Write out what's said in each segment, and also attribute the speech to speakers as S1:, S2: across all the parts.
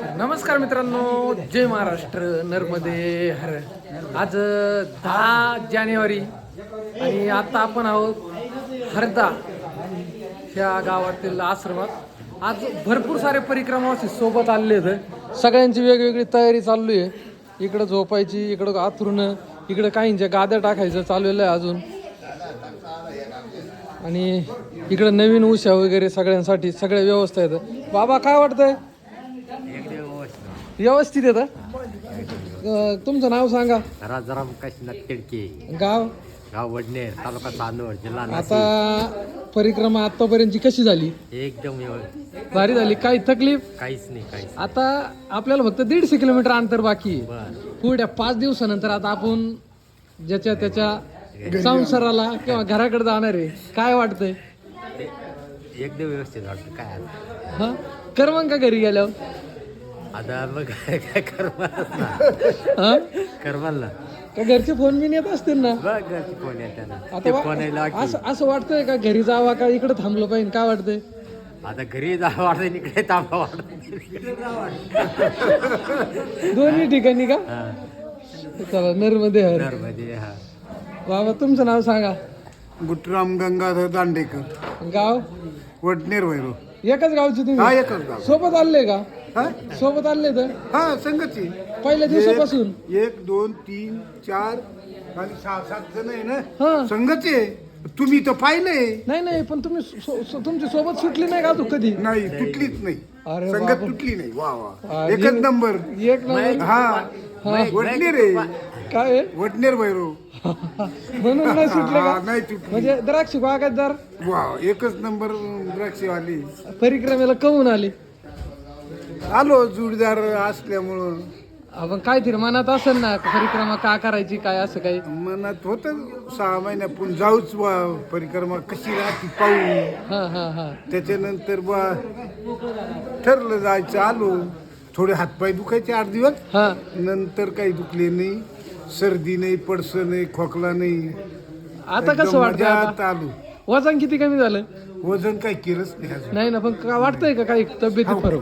S1: नमस्कार मित्रांनो, जय महाराष्ट्र. नर्मदे हर. आज 10 जानेवारी आणि आता आपण आहोत हरदा ह्या गावातील आश्रमात. आज भरपूर सारे परिक्रमावासी सोबत आलेले आहेत. सगळ्यांची वेगवेगळी तयारी चालू आहे. इकडं झोपायची, इकडं आथरून, इकडं काहींच्या गाद्या टाकायचं चाललेलं आहे अजून. आणि इकडं नवीन उशा वगैरे सगळ्यांसाठी सगळ्या व्यवस्था आहेत. बाबा काय वाटतंय? व्यवस्थित येतं. तुमचं नाव सांगा.
S2: राजाराम काशीनाथ तिडके,
S1: गाव
S2: गाव वडनेर, तालुका चांदवड, जिल्हा नाशिक.
S1: आता परिक्रमा आतापर्यंतची कशी झाली?
S2: एकदम व्यवस्थित,
S1: भारी झाली. काही तकलीफ?
S2: काहीच नाही, काहीच.
S1: आता आपल्याला फक्त 150 किलोमीटर अंतर बाकी आहे.
S2: बर,
S1: पुढ्या 5 दिवसानंतर आता आपण ज्याच्या त्याच्या संसाराला किंवा घराकडे जाणार आहे. काय वाटतंय?
S2: एकदम व्यवस्थित वाटतं. काय आता?
S1: हा, कर मग का घरी गेल्यावर?
S2: आता मग काय करमाल ना,
S1: हा,
S2: करमाल ना.
S1: का घरचे फोन बिन येत असतील ना?
S2: बघ घरची फोन येते ना,
S1: आता
S2: ते फोन यायला की.
S1: असं वाटतंय का घरी जावा का इकडे थांबलो पाहिजे? काय वाटतंय?
S2: आता घरी जा वाटतं, इकडे थांबा वाटत.
S1: दोन्ही ठिकाणी का? चला, नर्मदे हर.
S2: मध्ये हा.
S1: बाबा तुमचं नाव सांगा.
S3: गुटराम गंगाधर दांडेकर,
S1: गाव?
S3: वडनेर वैरो.
S1: एकच गावची
S3: हा,
S1: तुम्ही?
S3: एकच गाव.
S1: सोबत आले का?
S3: हा
S1: सोबत आले तर
S3: हा, संगती.
S1: पहिल्या दिवसापासून?
S3: 1 2 3 4 आणि 6 7 जण आहे ना.
S1: हा.
S3: संगती आहे. तुम्ही तर पाहिलंय.
S1: नाही पण तुम्ही तुमची सोबत सुटली नाही का तू कधी?
S3: नाही, तुटलीच नाही.
S1: अरे
S3: संगत
S1: बापरे.
S3: तुटली नाही. वा
S1: हा,
S3: वा, एकच नंबर.
S1: एक नंबर.
S3: हा,
S1: हा.
S3: वडनेर आहे.
S1: काय आहे?
S3: वडनेर वैरो.
S1: म्हणून नाही सुटले
S3: हा,
S1: का?
S3: नाही तुटली.
S1: म्हणजे द्राक्ष बागायतदार
S3: वा, एकच नंबर द्राक्षवाली.
S1: परिक्रमेला कमून आले.
S3: आलो जोडीदार असल्यामुळं.
S1: आपण काहीतरी मनात असेल ना, परिक्रमा का करायची, काय असं काही?
S3: मनात होतं 6 महिन्यापून जाऊच बा, परिक्रमा कशी राहते पाहू.
S1: हा.
S3: त्याच्यानंतर बा ठरलं जायचं. आलो. थोडे हातपाय दुखायचे 8 दिवस.
S1: हा.
S3: नंतर काही दुखले नाही. सर्दी नाही, पडसं नाही, खोकला नाही.
S1: आता कसं
S3: एकदम
S1: वाटतंय?
S3: मजात
S1: आता
S3: आलो.
S1: वजन किती कमी झालं?
S3: वजन काही केलंच नाही अजून.
S1: नाही ना, पण का वाटतंय का काही तब्येती फरक?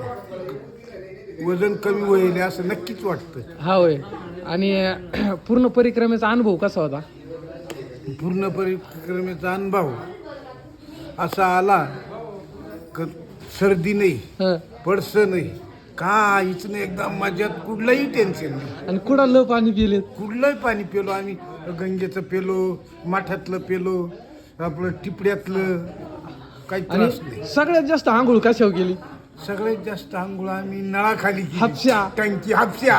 S3: वजन कमी होईल असं नक्कीच वाटतं.
S1: हा होय. आणि पूर्ण परिक्रमेचा अनुभव कसा होता?
S3: पूर्ण परिक्रमेचा अनुभव असा आला क सर्दी नाही,
S1: हं.
S3: पडसं नाही, काहीच नाही. एकदम मजात, कुठलंही टेन्शन नाही.
S1: आणि कुडालं पाणी पिले?
S3: कुठलंही पाणी पेलो आम्ही. गंगेचं पेलो, माठातलं पेलो, आपलं टिपड्यातलं. काही
S1: आणि
S3: त्रास नाही.
S1: सगळ्यात जास्त आंघोळ कशावर केली?
S3: सगळ्यात जास्त आंघोळ आम्ही नळाखाली केली.
S1: हापशा.
S3: टंकी हापशा.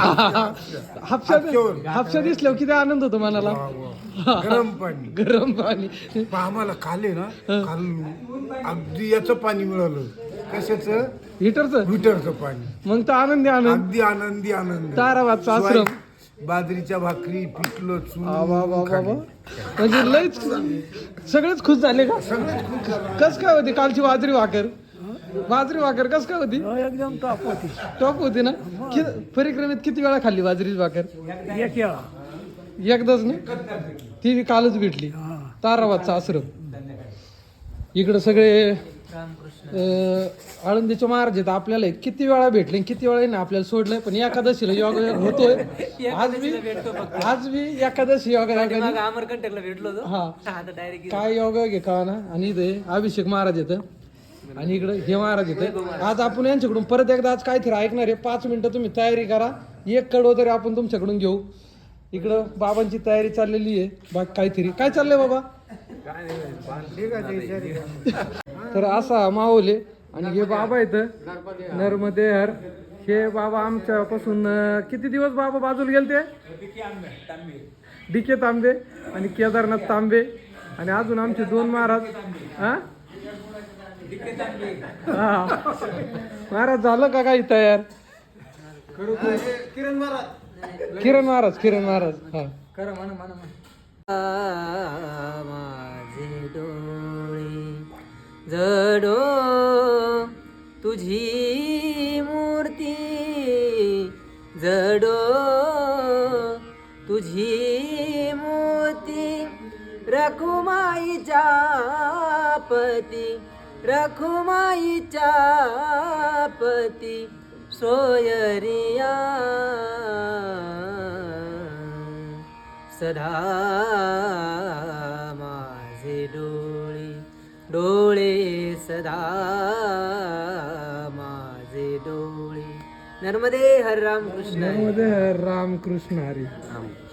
S3: हापशावर.
S1: हापशा दिसल्यावर किती आनंद होतो मनाला.
S3: वा, वा. गरम पाणी.
S1: गरम पाणी.
S3: पण आम्हाला काल आहे ना, काल अगदी याचं पाणी मिळालं. कशाचं?
S1: हिटरचं.
S3: हिटरचं पाणी.
S1: मग तर आनंदी आनंद.
S3: अगदी आनंदी आनंद.
S1: ताराबादचा आश्रम.
S3: बाजरीच्या भाकरी, पिठलं
S1: बाबा.
S3: खाल्लं.
S1: म्हणजे लयच सगळेच खुश झाले का? कस काय होती कालची बाजरी भाकर? बाजरी भाकर कस काय होती?
S4: एकदम टॉप होती.
S1: टॉप होती ना? परिक्रमेत किती वेळा खाल्ली बाजरीची भाकर?
S4: एक वेळा.
S1: एकदाच ना? ती कालच भेटली. ताराबादचा आश्रम. इकडं सगळे आळंदीचे महाराज आहेत. आपल्याला किती वेळा भेटले, किती वेळा ना आपल्याला सोडलंय. पण एकादशीला योग होतोय. आज मी एकादशी योग
S4: अमरकंटकला भेटलो होतो.
S1: हा.
S4: आता डायरेक्ट
S1: काय योग घे का ना. आणि इथे अभिषेक महाराज येतं आणि इकडे हे महाराज येतं. आज आपण यांच्याकडून परत एकदा आज काहीतरी ऐकणार आहे. 5 मिनिटं तुम्ही तयारी करा. 1 कडवं तरी आपण तुमच्याकडून घेऊ. इकडं बाबांची तयारी चाललेली आहे. बाकी काहीतरी काय चाललंय बाबा? तर असा माहोल आहे. आणि हे बाबा येतं नर्मदे हर. हे बाबा आमच्यापासून किती दिवस बाबा बाजूला गेलते? DK तांबे आणि केदारनाथ तांबे. आणि अजून आमचे 2 महाराज. हा, महाराज झालं का काही तयार? किरण महाराज. हा,
S4: खरं म्हणा. माझे डोळे जडो तुझी मूर्ती, जडो तुझी मूर्ती, रखुमाईच्या पती, रखुमाईच्या पती, सोयरिया सदा माझे डोळे डोळे सदा माझे डोळे. नर्मदे हर राम कृष्ण हरी.
S1: नर्मदे रामकृष्ण हरी.